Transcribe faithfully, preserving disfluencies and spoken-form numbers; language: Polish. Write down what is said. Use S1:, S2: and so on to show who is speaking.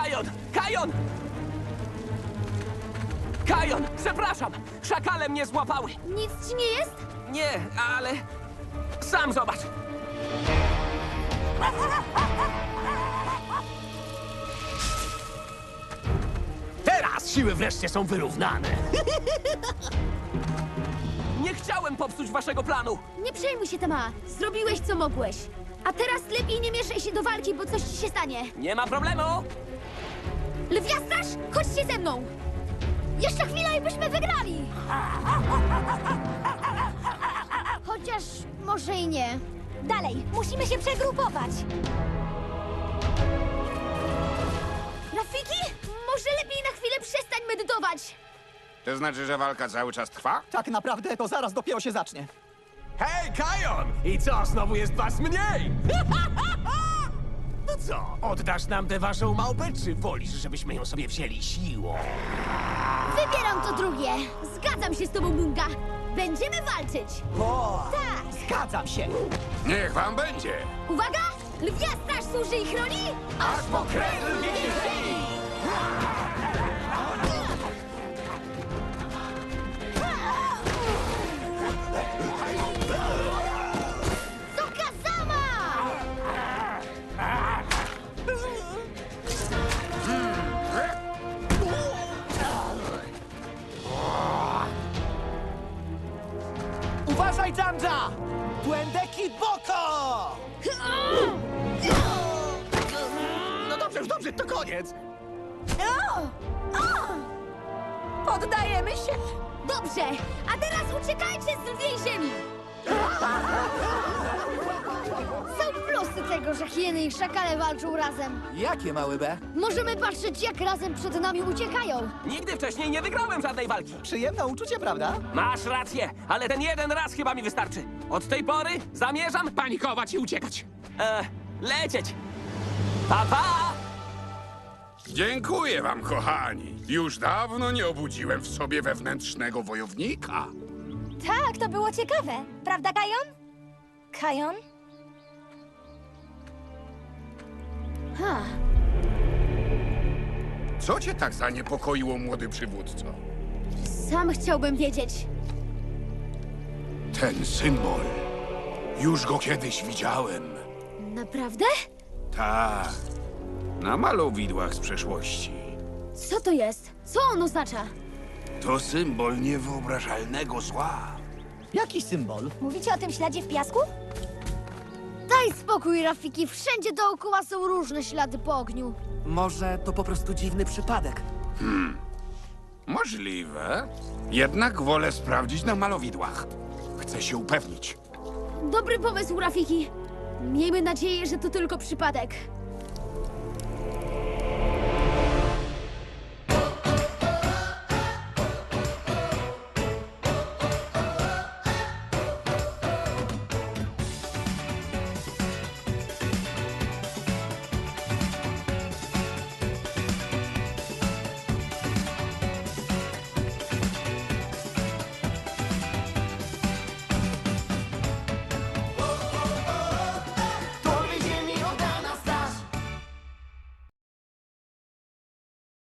S1: Kajon! Kajon! Kajon! Przepraszam! Szakale mnie złapały!
S2: Nic ci nie jest?
S1: Nie, ale... Sam zobacz!
S3: Teraz siły wreszcie są wyrównane.
S1: Nie chciałem popsuć waszego planu!
S2: Nie przejmuj się, Tama. Zrobiłeś, co mogłeś. A teraz lepiej nie mieszaj się do walki, bo coś ci się stanie.
S1: Nie ma problemu!
S2: Lwiastraż, chodźcie ze mną! Jeszcze chwila i byśmy wygrali! Chociaż może i nie. Dalej, musimy się przegrupować. Rafiki, może lepiej na chwilę przestań medytować.
S4: To znaczy, że walka cały czas trwa?
S5: Tak naprawdę to zaraz dopiero się zacznie.
S3: Hej, Kajon! I co, znowu jest was mniej? No co, oddasz nam tę waszą małpę, czy wolisz, żebyśmy ją sobie wzięli siłą?
S2: Wybieram to drugie. Zgadzam się z tobą, Munga. Będziemy walczyć.
S5: O,
S2: Tak.
S5: zgadzam się.
S4: Niech wam będzie!
S2: Uwaga! Lwia straż służy i chroni?
S3: Aż po krew lwiej!
S2: Sokazama!
S5: Uważaj, Janja! Błędeki Boko!
S3: No dobrze, już dobrze, to koniec.
S2: Poddajemy się. Dobrze, a teraz uciekajcie z lwiej ziemi. Są plusy tego, że hieny i szakale walczą razem.
S5: Jakie, mały B?
S2: Możemy patrzeć, jak razem przed nami uciekają.
S1: Nigdy wcześniej nie wygrałem żadnej walki!
S5: Przyjemne uczucie, prawda?
S1: Masz rację, ale ten jeden raz chyba mi wystarczy. Od tej pory zamierzam
S3: Panikować i uciekać.
S1: e, lecieć. Pa, pa!
S4: Dziękuję wam, kochani. Już dawno nie obudziłem w sobie wewnętrznego wojownika.
S2: Tak, to było ciekawe. Prawda, Kajon? Kajon? Ha.
S4: Co cię tak zaniepokoiło, młody przywódco?
S2: Sam chciałbym wiedzieć.
S4: Ten symbol. Już go kiedyś widziałem.
S2: Naprawdę?
S4: Tak. Na malowidłach z przeszłości.
S2: Co to jest? Co on oznacza?
S4: To symbol niewyobrażalnego zła.
S5: Jaki symbol?
S2: Mówicie o tym śladzie w piasku? Daj spokój, Rafiki. Wszędzie dookoła są różne ślady po ogniu.
S5: Może to po prostu dziwny przypadek.
S4: Możliwe. Jednak wolę sprawdzić na malowidłach. Chcę się upewnić.
S2: Dobry pomysł, Rafiki. Miejmy nadzieję, że to tylko przypadek.